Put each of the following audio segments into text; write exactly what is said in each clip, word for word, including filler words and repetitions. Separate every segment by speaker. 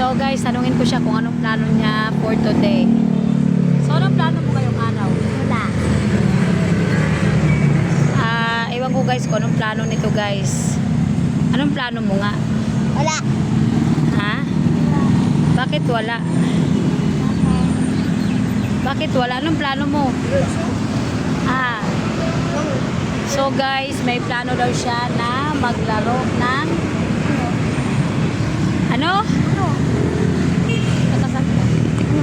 Speaker 1: So guys, tanungin ko siya kung anong plano niya for today. So anong plano mo ngayong araw?
Speaker 2: Wala.
Speaker 1: Ah, ewan ko guys kung anong plano nito guys. Anong plano mo nga?
Speaker 2: Wala.
Speaker 1: Ha? Bakit wala? Bakit wala? Anong plano mo? Ah. So guys, may plano daw siya na maglaro ng ano?
Speaker 2: Ano?
Speaker 1: Nakasakit.
Speaker 2: Ano?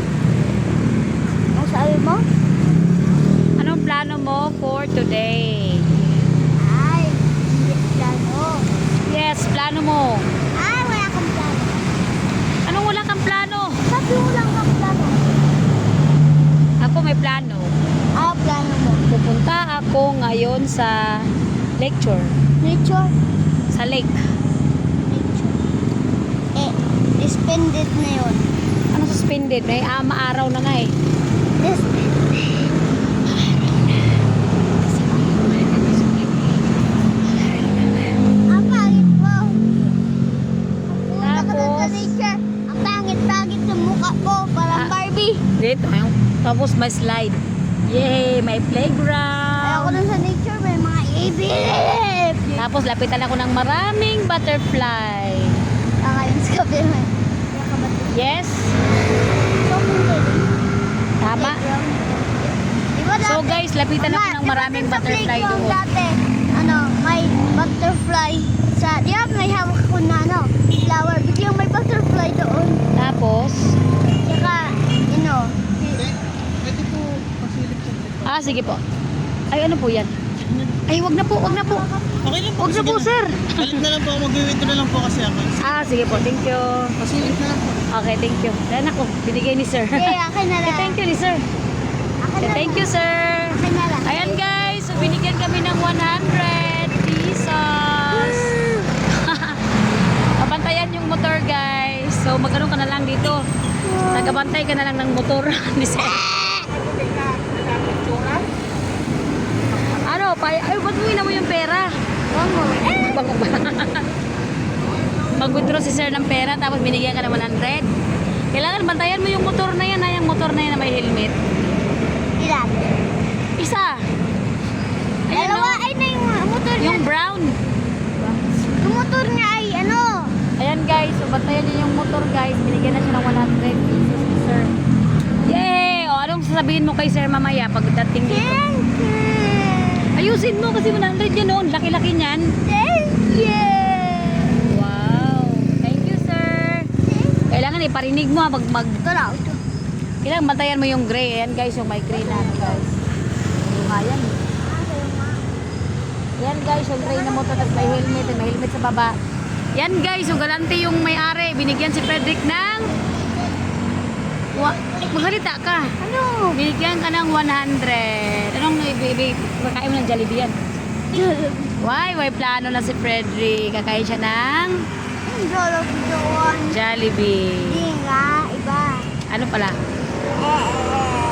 Speaker 2: Ang sabi mo?
Speaker 1: Anong plano mo for today?
Speaker 2: Ay, hindi plano.
Speaker 1: Yes, plano mo.
Speaker 2: Ay, wala kang plano.
Speaker 1: Anong wala kang plano?
Speaker 2: Sabi mo lang kang plano.
Speaker 1: Ako may plano.
Speaker 2: Ah, plano mo.
Speaker 1: Pupunta ako ngayon sa lecture.
Speaker 2: Nature?
Speaker 1: Sa lake.
Speaker 2: Nature. Eh, suspended na yun.
Speaker 1: Ano suspended? May ah, maaraw na nga eh.
Speaker 2: Suspended. Ang pangit mo. Ang puta ka dun sa
Speaker 1: Tapos?
Speaker 2: nature. Ang pangit-pangit ng mukha ko. Parang
Speaker 1: Ah.
Speaker 2: Barbie.
Speaker 1: Dito. Ayun. Tapos may slide. Yay! May
Speaker 2: Ayoko
Speaker 1: playground.
Speaker 2: dun sa nature. May mga ibig.
Speaker 1: Tapos lapitan ako ng maraming butterfly.
Speaker 2: Kakain sa kabila.
Speaker 1: Yes? Tama.
Speaker 2: Diba
Speaker 1: So
Speaker 2: dati-
Speaker 1: guys, lapitan ako
Speaker 2: Mama,
Speaker 1: ng
Speaker 2: diba
Speaker 1: maraming
Speaker 2: dun sa
Speaker 1: butterfly
Speaker 2: playground
Speaker 1: doon.
Speaker 2: Dati, ano, may butterfly sa, di ba may hawak ko na, ano, flower. Biglang may butterfly doon.
Speaker 1: Tapos,
Speaker 2: Tsaka, you know,
Speaker 3: Pwede po pasilip sa trip.
Speaker 1: ah sige po. Ay ano po yan? Ay wag na po, wag na po.
Speaker 3: Okay lang po.
Speaker 1: Wag na
Speaker 3: sige
Speaker 1: po sir.
Speaker 3: Balik na lang po ako. Mag-withdraw na lang po kasi ako.
Speaker 1: Ah sige po, thank you.
Speaker 3: Pasilip na lang po.
Speaker 1: Okay, thank you. Yan ako, binigay ni sir.
Speaker 2: eh, akin na
Speaker 1: Okay,
Speaker 2: lang.
Speaker 1: thank you ni sir.
Speaker 2: Akin
Speaker 1: Okay,
Speaker 2: na
Speaker 1: thank
Speaker 2: lang.
Speaker 1: you sir.
Speaker 2: Akin na lang.
Speaker 1: Ayan guys, so binigyan kami ng one hundred pesos. Kabantayan yung motor guys. So magkaroon ka na lang dito. Tagabantay ka na lang ng motor ni sir. Ano, pa ay ba't mo mo yung pera?
Speaker 2: Bango. Eh,
Speaker 1: Bango ba? Mag-withdraw si sir ng pera tapos binigyan ka ng one hundred. Kailangan bantayan mo yung motor na yan, ha? Yung motor na yan na may helmet.
Speaker 2: ilan?
Speaker 1: Isa. Ayan
Speaker 2: Dalawa,
Speaker 1: o.
Speaker 2: ay na yung motor niya.
Speaker 1: Yung brown.
Speaker 2: Yung motor niya ay, ano,
Speaker 1: Ayan guys, so bantayan niyo yung motor guys. Binigyan na siya ng one hundred pesos ni sir. Yay! O anong sasabihin mo kay sir mamaya pagdating dito?
Speaker 2: thank you.
Speaker 1: Ayusin mo kasi one hundred yan noon. Laki-laki niyan.
Speaker 2: Thank you.
Speaker 1: Wow. Thank you sir. Kailangan iparinig mo ha, pag mag...
Speaker 2: Ito na, ito.
Speaker 1: Kailangan bantayan mo yung gray. Ayan guys, yung may gray na ano guys. Yung ayan. Yan guys, yung gray na motor at may helmet, may helmet sa baba. Yan guys, yung galante yung may-ari. Binigyan si Frederick ng... Wa... Magsalita ka.
Speaker 2: Ano?
Speaker 1: Binigyan ka ng one hundred. Anong ibig? Kakain mo ng Jollibee yan. Why? May plano na si Frederick. Kakain siya ng
Speaker 2: Ang jolo doon.
Speaker 1: Jollibee.
Speaker 2: Hindi nga, iba.
Speaker 1: Ano pala?
Speaker 2: Eh, eh, eh.